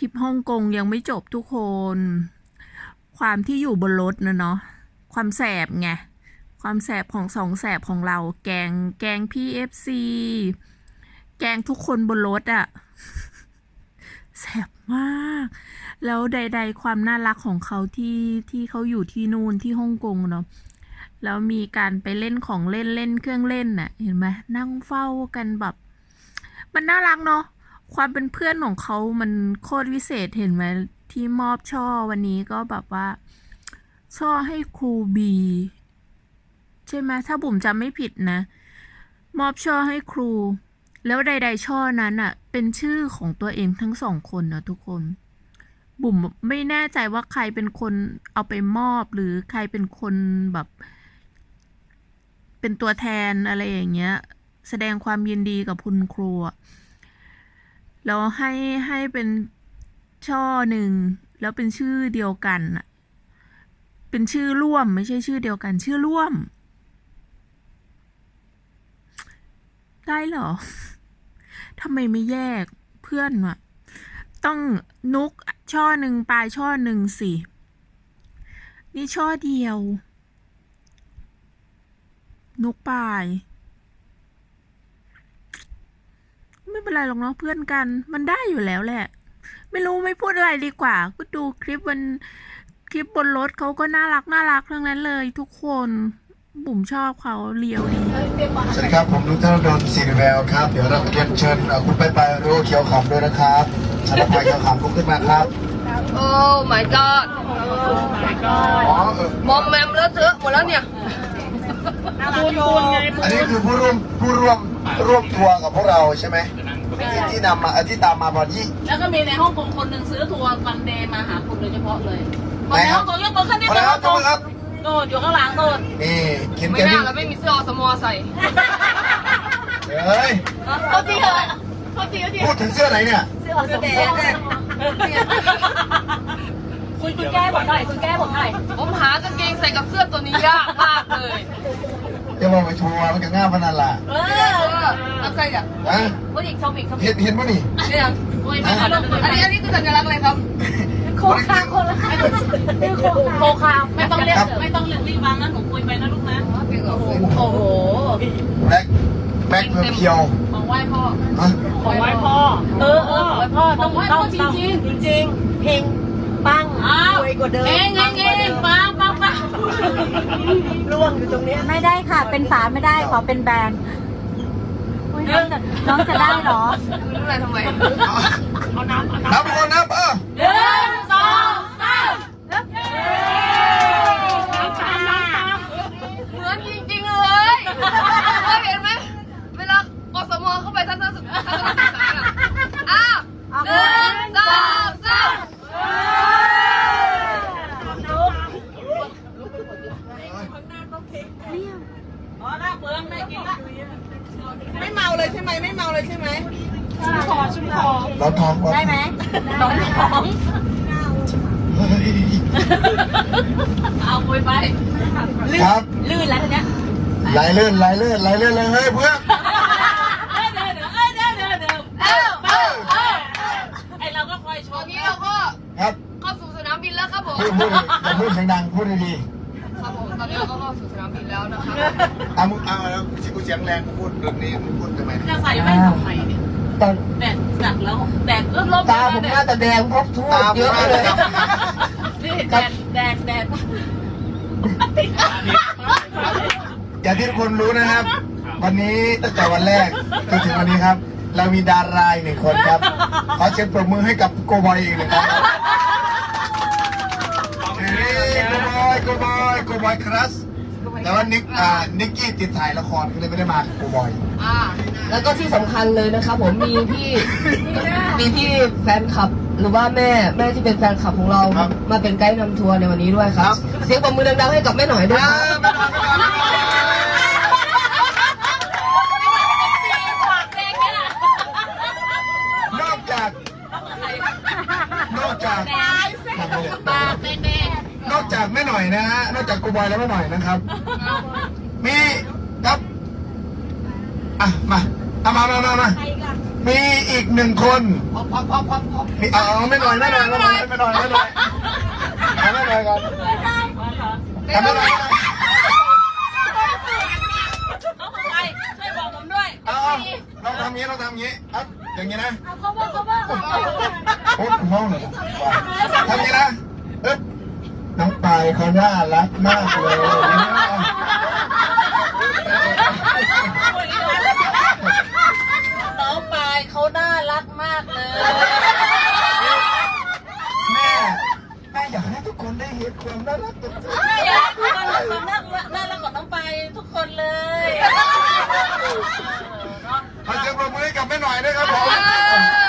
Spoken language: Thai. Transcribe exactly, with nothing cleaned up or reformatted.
ริปฮ่องกงยังไม่จบทุกคน ความที่อยู่บนรถนะเนาะความแสบไงความแสบของสองแสบของเรา แกงแกงพี่เอฟซีแกงทุกคนบนรถอะแสบมาก แล้วใดๆความน่ารักของเขาที่ที่เขาอยู่ที่นู่นที่ฮ่องกงเนาะแล้วมีการไปเล่นของเล่นเล่นเครื่องเล่นน่ะเห็นไหมนั่งเฝ้ากันแบบ มันน่ารักเนาะความเป็นเพื่อนของเขามันโคตรวิเศษเห็นไหมที่มอบช่อวันนี้ก็แบบว่า ช่อให้ครูบีใช่ไหมถ้าบุ๋มจำไม่ผิดนะ มอบช่อให้ครู แล้วใดๆช่อนั้นอะเป็นชื่อของตัวเองทั้งสองคนนะทุกคน บุ๋มไม่แน่ใจว่าใครเป็นคนเอาไปมอบหรือใครเป็นคนแบบ เป็นตัวแทนอะไรอย่างเงี้ย แสดงความยินดีกับคุณครูแล้วให้ให้เป็นช่อหนึ่งแล้วเป็นชื่อเดียวกันอะเป็นชื่อร่วมไม่ใช่ชื่อเดียวกัน ชื่อร่วม ได้เหรอทำไมไม่แยกเพื่อนวะต้องนุกช่อหนึ่งปลายช่อหนึ่งสินี่ช่อเดียว นุกปลายไม่เป็นไรหรอกเนาะเพื่อนกันมันได้อยู่แล้วแหละ ไม่รู้ไม่พูดอะไรดีกว่า ก็ดูคลิปวันคลิปบนรถเขาก็น่ารักน่ารักทั้งนั้นเลยทุกคนบุ๋มชอบเขาเลียวดีสวัสดีครับผมนุชธนดลศรีแววครับเดี๋ยวเราเรียนเชิญเอ่อคุณไปไปโรเขียวขำด้วยนะครับชาลพายเขียวขำลุกขึ้นมาครับโอ้ my god อ๋อเออมอมแมมเลอะเทอะหมดแล้วเนี่ยอันนี้คือผู้ร่วมผู้ร่วมร่วมทัวร์กับพวกเราใช่ไหมที่ที่นำมาเอ่อที่ตามมาบอดี้แล้วก็มีในฮ่องกงคนหนึ่งซื้อทัวร์วันเดย์มาหาคุณโดยเฉพาะเลยคนในฮ่องกงยกมือขึ้นนิดพอนึแล้วงครับขอบคุณครับโดดอยู่ข้างหลังโดดนี่เขียนไม่แกน่านี่แล้วไม่มีเสื้ออสมอใส่เฮ้ยเขาจริงเหรอเขาจริงเขาจริงพูดถึงเสื้อไหนเนี่ยเสื้อสมบูรณ์คุณคุณแก้ผมหน่อยคุณแก้ผมหน่อยผมหากางเกงใส่กับเสื้อตัวนี้ยากมากเลยจะบอกไปทัวร์มันก็ง่ายพนันล่ะเอเอออแล้วใครอ่ะฮะคุณอีกชมอีกชมอีเห็กนเห็นป่ะนี่เนี่ยโอ้ยไม่ขอลงอันนี้อันนี้คือสัญลักษณ์อะไรครับโคคาโคละโคคาไม่ต้องเรียกไม่ต้องเรียกรีบวางนะหนูคุยไปนะลูกนะโอ้โหแบ็คแบ็คเพียวของไหว้พ่อๆฮะของไหว้พ่อเออเออของไหว้พ่อต้องต้องจริงจริงจริงเพลงปังรวยกว่าเดิมเองเองเองปังปังปังร่วงอยู่ตรงนี้ไม่ได้ค่ะ เป็นฝาไม่ได้ขอเป็นแบรนด์อุ๊ยน้องจะน้องจะได้เหรอรู้อะไรทำไมเอาน้ำเอาน้ำนับคนนับเออหนึ่งสองสามน้ำตาลน้ำตาลเหมือนจริงๆเลยเคยเห็นไหมเวลาอสมเข้าไปทัศนศึกษาทัศนศึกษาอ่ะอ้าวหนึ่งสองสามอ๋อหน้าเบืองไม่กินละไม่เมาเลยใช่ไหมไม่เมาเลยใช่ไหมชุ่มคอชุ่มคอเราทองก่อนได้ไหมน้องท้องเฮ้ยเอาไปไปครับลื่นแล้วทีเนี้ยไหลเลื่อนไหลเลื่อนไหลเลื่อนเลยเฮ้ยเพื่อนเอ้ยเดี๋ยวเดี๋ยวเอ้ยเดี๋ยวเดี๋ยวเดี๋ยวเอ้าเอ้าเอ้าไอเราก็คอยชตอมนนี้เราก็ครับเข้าสู่สนามบินแล้วครับผมพูดพูดอย่าพูดเสียงดังพูดดีครับผมตอนนี้เราก็เข้าสู่สนามบินแล้วนะครับๆเอามึงเอาแล้วที่กูเสียงแรงกูพูดแบบนี้มึงพูดทำไมจะใส่แว่นทำไมเนี่ยตอนแดดจัดแล้วแดดเริ่มลบตาผมน่าจะแดงเพราะทั่วตาเยอะผมเลยน่าจะนี่แดดแดดแดดอย่างที่ทุกคนรู้นะครับ วันนี้ตั้งแต่วันแรกจนถึงวันนี้ครับ เรามีดาราอีกหนึ่งคนครับ ขอเชิญปรบมือให้กับโกบอยอีกหนึ่งครั้งครับเฮ้ยโกบอยโกบอยโกบอยครัสแต่ว่านิกอ่านิกกี้ติดถ่ายละครก็เลยไม่ได้มากับโกบอยอ่าแล้วก็ที่สำคัญเลยนะครับผมมีพี่มีพี่แฟนคลับ หรือว่าแม่แม่ที่เป็นแฟนคลับของเราครับมาเป็นไกด์นำทัวร์ในวันนี้ด้วยคครัรับบเสียงปรบมือดังๆให้กับแม่หน่อยด้วยอ่าครับไม่ต้องไม่ต้องไม่ต้องนอกจาก นอกจากปากเป็นแดงนอกจากแม่หน่อยนะฮะ นอกจากกูบอยแล้วแม่หน่อยนะครับ มีครับ อ่ะ มาเอามามามามามีอีกหนึ่งคนมีเอาเอาไม่หน่อยไม่หน่อยไม่หน่อยไม่หน่อยไม่หน่อยเอาไม่หน่อยก่อนเอาไม่หน่อยไปช่วยบอกผมด้วยเอาเราทำงี้เราทำงี้เอาอย่างงี้นะเขาบอกเขาบอกโอ้คุณพ่อหน่อยทำงี้นะเอ๊ะน้องปายเขาน่ารักมากเลยน้องปายเขาน่ารักมากเลยแม่แม่อยากให้ทุกคนได้เห็นความน่ารักตัวจริงแม่อยากให้ทุกคนน่ารักน่ารักของน้องปายทุกคนเลยขอเสียงปรบมือให้กับแม่หน่อยด้วยครับผมเออ